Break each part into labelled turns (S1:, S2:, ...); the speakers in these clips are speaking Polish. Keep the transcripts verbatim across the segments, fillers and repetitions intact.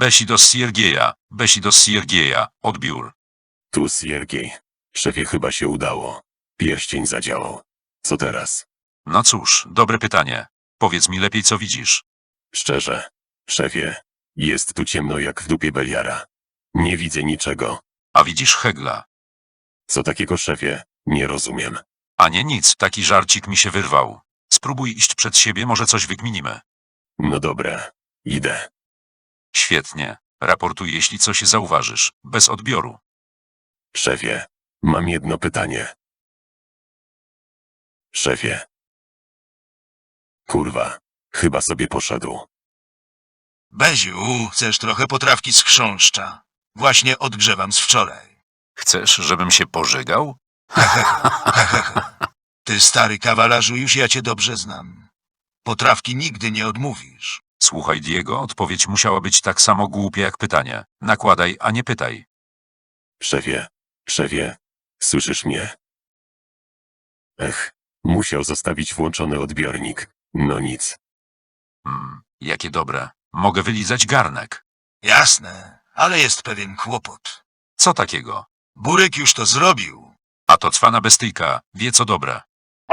S1: Besi do Siergieja, Besi do Siergieja, odbiór.
S2: Tu Siergiej. Szefie, chyba się udało. Pierścień zadziałał. Co teraz?
S1: No cóż, dobre pytanie. Powiedz mi lepiej, co widzisz.
S2: Szczerze. Szefie, jest tu ciemno jak w dupie Beliara. Nie widzę niczego.
S1: A widzisz Hegla.
S2: Co takiego, szefie? Nie rozumiem.
S1: A nie nic, taki żarcik mi się wyrwał. Spróbuj iść przed siebie, może coś wykminimy.
S2: No dobra, idę.
S1: Świetnie. Raportuj, jeśli coś zauważysz. Bez odbioru.
S2: Szefie, mam jedno pytanie. Szefie. Kurwa, chyba sobie poszedł.
S3: Beziu, chcesz trochę potrawki z chrząszcza? Właśnie odgrzewam z wczoraj.
S1: Chcesz, żebym się pożygał?
S3: Ty stary kawalarzu, już ja cię dobrze znam. Potrawki nigdy nie odmówisz.
S1: Słuchaj, Diego, odpowiedź musiała być tak samo głupia jak pytanie. Nakładaj, a nie pytaj.
S2: Szefie, szefie, słyszysz mnie? Ech, musiał zostawić włączony odbiornik. No nic.
S1: Hmm, jakie dobre. Mogę wylizać garnek.
S3: Jasne, ale jest pewien kłopot.
S1: Co takiego?
S3: Burek już to zrobił.
S1: A to cwana bestyjka, wie co dobre.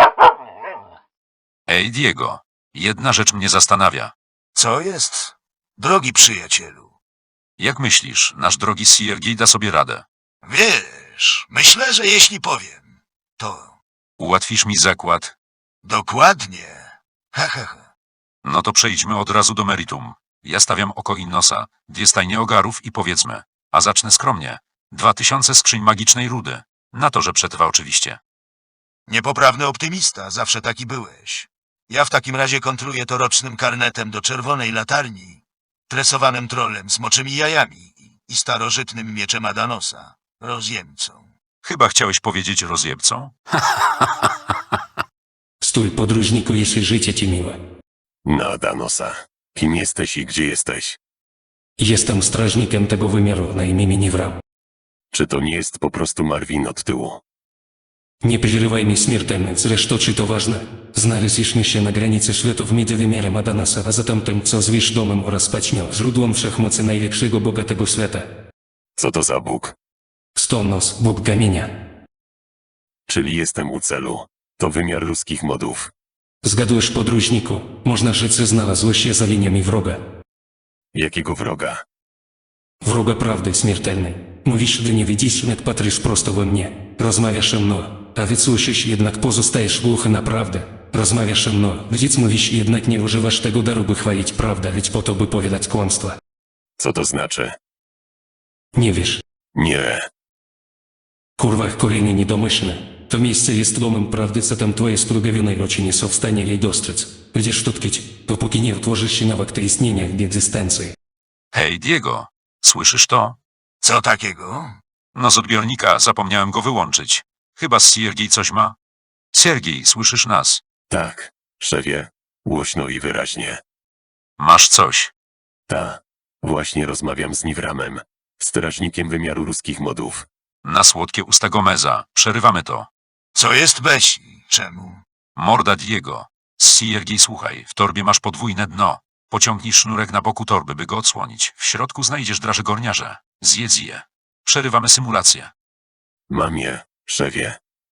S1: Ej, Diego, jedna rzecz mnie zastanawia.
S3: Co jest? Drogi przyjacielu.
S1: Jak myślisz, nasz drogi Siergiej da sobie radę?
S3: Wiesz, myślę, że jeśli powiem, to
S1: Ułatwisz mi zakład?
S3: dokładnie. Ha, ha, ha.
S1: No to przejdźmy od razu do meritum. Ja stawiam oko Innosa, dwie stajnie ogarów i powiedzmy, a zacznę skromnie, dwa tysiące skrzyń magicznej rudy. Na to, że przetrwa oczywiście.
S3: Niepoprawny optymista, zawsze taki byłeś. Ja w takim razie kontruję to rocznym karnetem do czerwonej latarni, tresowanym trolem z moczymi jajami i starożytnym mieczem Adanosa, rozjemcą.
S1: Chyba chciałeś powiedzieć rozjebcą?
S4: Stój, podróżniku, jeśli życie ci miłe.
S2: Na Danosa. Kim jesteś i gdzie jesteś?
S4: Jestem strażnikiem tego wymiaru na imię Minivram.
S2: Czy to nie jest po prostu Marvin od tyłu?
S4: Nie przerywaj mi śmiertelny, zresztą czy to ważne? Znaleźliśmy się na granicy światów między wymiarem Adanasa, a zatem tym, co zwiesz domem oraz paćmią, źródłem wszechmocy najlepszego boga tego świata.
S2: Co to za Bóg?
S4: Stonos, bóg kamienia.
S2: Czyli jestem u celu. To wymiar ruskich modów.
S4: Zgadujesz, podróżniku, można rzec, że znalazłeś się za liniami wroga.
S2: Jakiego wroga?
S4: Wroga prawdy śmiertelnej. Mówisz, że nie widzisz, jak patrzysz prosto we mnie. Rozmawiasz ze mną, a więc słyszysz, jednak pozostajesz głuchy na prawdę. Rozmawiasz ze mną, więc mówisz, jednak nie używasz tego daru, by chwalić prawdę, lecz po to, by powiadać kłamstwa.
S2: Co to znaczy?
S4: Nie wiesz.
S2: Nie.
S4: Kurwa, kolejny niedomyślny. To miejsce jest domem prawdy, co tam twoje splugawionej oczy nie są w stanie jej dostrzec. Będziesz tu tkwić, dopóki nie otworzysz się na akty istnienia w egzystencji.
S1: Hej, Diego, słyszysz to?
S3: Co takiego?
S1: No z odbiornika zapomniałem go wyłączyć. Chyba Siergiej coś ma? Siergiej, słyszysz nas?
S2: Tak, szefie. Głośno i wyraźnie.
S1: Masz coś.
S2: Ta. Właśnie rozmawiam z Niwramem. Strażnikiem wymiaru ruskich modów.
S1: Na słodkie usta Gomeza. Przerywamy to.
S3: Co jest Besi? Czemu?
S1: Morda Diego. Siergiej, słuchaj, w torbie masz podwójne dno. Pociągnij sznurek na boku torby, by go odsłonić. W środku znajdziesz draże gorniarze. Zjedz je. Przerywamy symulację.
S2: Mam je, szefie.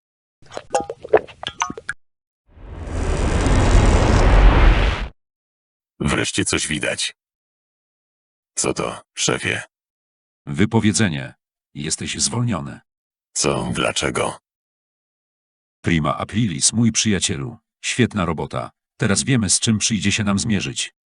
S2: Wreszcie coś widać. Co to, szefie?
S1: Wypowiedzenie. Jesteś zwolniony.
S2: Co, dlaczego?
S1: Prima aprilis, mój przyjacielu. Świetna robota. Teraz wiemy, z czym przyjdzie się nam zmierzyć.